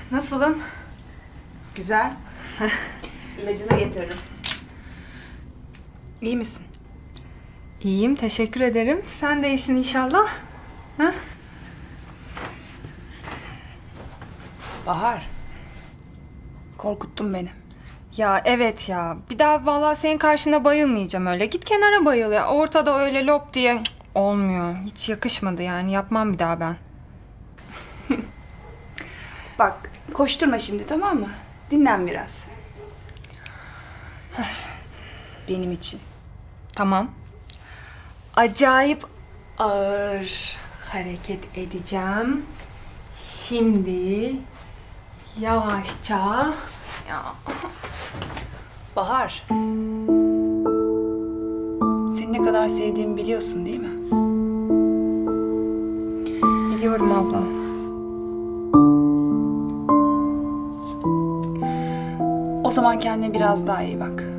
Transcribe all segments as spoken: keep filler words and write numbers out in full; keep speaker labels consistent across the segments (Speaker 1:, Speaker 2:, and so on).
Speaker 1: Nasılım?
Speaker 2: Güzel. İlacını getirdim. İyi misin?
Speaker 1: İyiyim, teşekkür ederim. Sen de iyisin inşallah. Ha?
Speaker 2: Bahar. Korkuttun beni.
Speaker 1: Ya evet ya. Bir daha vallahi senin karşında bayılmayacağım öyle. Git kenara bayıl ya. Ortada öyle lop diye cık, olmuyor. Hiç yakışmadı yani. Yapmam bir daha ben.
Speaker 2: Bak, koşturma şimdi, tamam mı? Dinlen biraz. Benim için.
Speaker 1: Tamam. Acayip ağır hareket edeceğim. Şimdi yavaşça ya
Speaker 2: Bahar. Seni ne kadar sevdiğimi biliyorsun değil mi?
Speaker 1: biliyorum abla.
Speaker 2: O zaman kendine biraz daha iyi bak.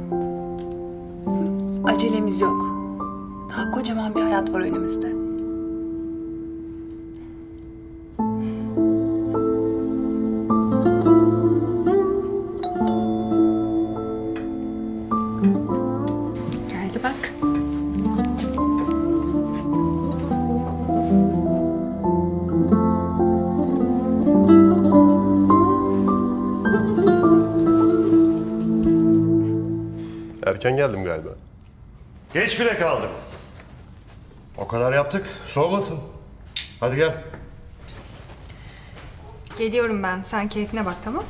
Speaker 2: Acelemiz yok. Daha kocaman bir hayat var önümüzde.
Speaker 1: Gel bak.
Speaker 3: Erken geldim galiba.
Speaker 4: Geç bile kaldım. O kadar yaptık, soğumasın. Hadi gel.
Speaker 1: Geliyorum ben. Sen keyfine bak, tamam?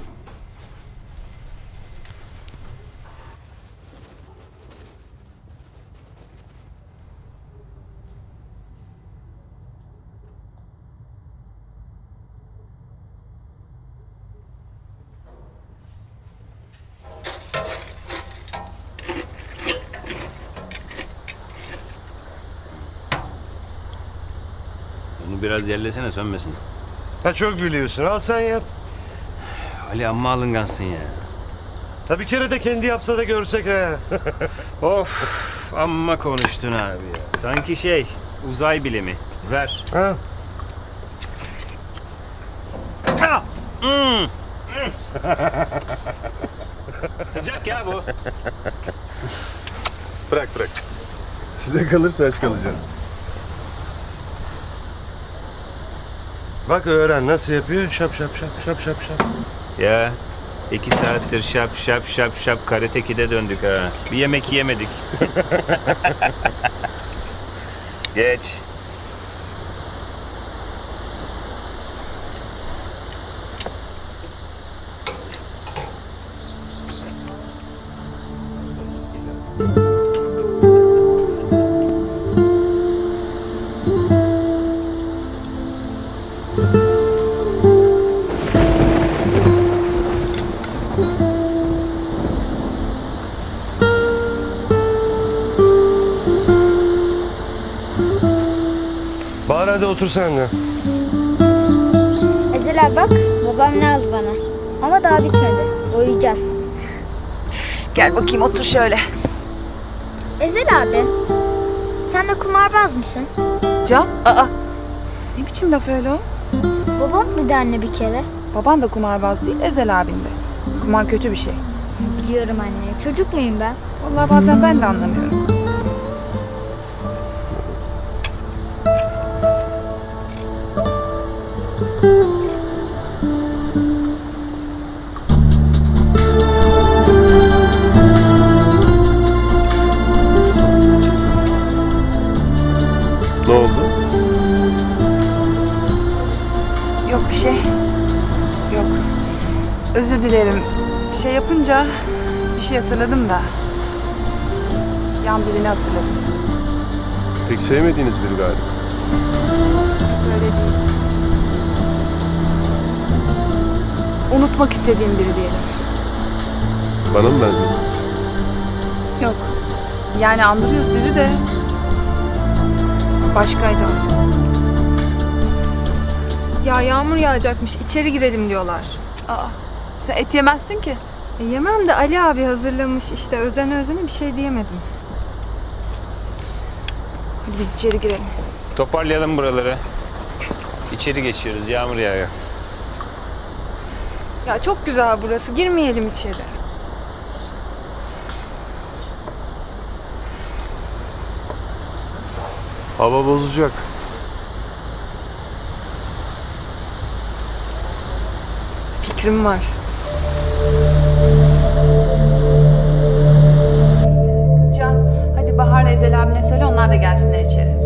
Speaker 5: Bunu biraz yerlesene sönmesin.
Speaker 4: Ha çok biliyorsun, al sen yap.
Speaker 5: Ali amma alıngansın ya.
Speaker 4: Ha bir kere de kendi yapsa da görsek ha.
Speaker 5: Of amma konuştun abi ya. Sanki şey uzay bilimi. Ver.
Speaker 4: ha.
Speaker 5: Ah! Hmm. Sıcak ya bu.
Speaker 3: Bırak bırak. Size kalırsa aç kalacağız.
Speaker 4: Bak öğren nasıl yapıyor. Şap şap şap şap şap şap.
Speaker 5: Ya iki saattir şap şap şap şap Karate Kid'e döndük ha. Bir yemek yemedik. Geç.
Speaker 4: Bahar hadi otur sen de.
Speaker 6: Ezel abi bak, babam ne aldı bana. Ama daha bitmedi. Boyayacağız.
Speaker 2: Gel bakayım otur şöyle.
Speaker 6: Ezel abi, sen de kumarbaz mısın?
Speaker 2: Can, aa. Ne biçim laf öyle o?
Speaker 6: Babam dedi anne bir kere.
Speaker 2: Baban da kumarbaz değil, Ezel abin de. Kumar kötü bir şey.
Speaker 6: Biliyorum anne. Çocuk muyum ben?
Speaker 2: Vallahi bazen ben de anlamıyorum.
Speaker 3: Ne oldu?
Speaker 2: Yok bir şey. Yok. Özür dilerim. Bir şey yapınca bir şey hatırladım da. Yan birini hatırladım.
Speaker 3: Pek sevmediğiniz biri galiba.
Speaker 2: Böyle değil. Unutmak istediğim biri diyelim.
Speaker 3: Bana mı benzettiniz?
Speaker 2: Yok. Yani andırıyor sizi de. Başkaydı o.
Speaker 1: Ya yağmur yağacakmış. İçeri girelim diyorlar.
Speaker 2: Aa, sen et yemezsin ki.
Speaker 1: E, yemem de Ali abi hazırlamış işte. Özene özene bir şey diyemedim.
Speaker 2: Hadi biz içeri girelim.
Speaker 5: Toparlayalım buraları. İçeri geçiyoruz. Yağmur yağıyor.
Speaker 1: Ya çok güzel burası. Girmeyelim içeri.
Speaker 3: Hava bozacak.
Speaker 1: Fikrim var.
Speaker 2: Can, hadi Bahar'la Ezel abine söyle onlar da gelsinler içeri.